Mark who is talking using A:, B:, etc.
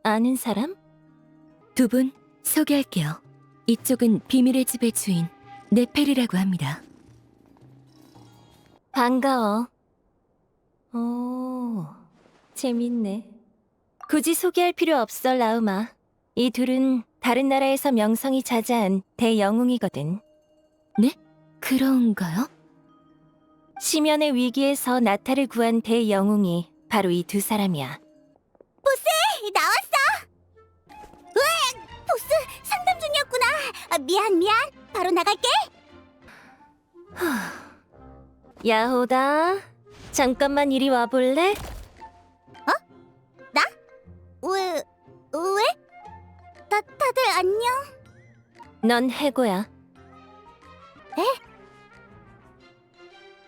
A: 아는 사람?
B: 두 분 소개할게요. 이쪽은 비밀의 집의 주인 네페르라고 합니다.
A: 반가워. 오, 재밌네. 굳이 소개할 필요 없어, 라우마. 이 둘은 다른 나라에서 명성이 자자한 대영웅이거든.
B: 네? 그런가요?
A: 심연의 위기에서 나타를 구한 대영웅이 바로 이 두 사람이야.
C: 나왔어! 으악! 보스 상담 중이었구나. 미안. 바로 나갈게.
A: 야호다. 잠깐만 이리 와볼래?
C: 왜? 다들 안녕?
A: 넌 해고야.
C: 에?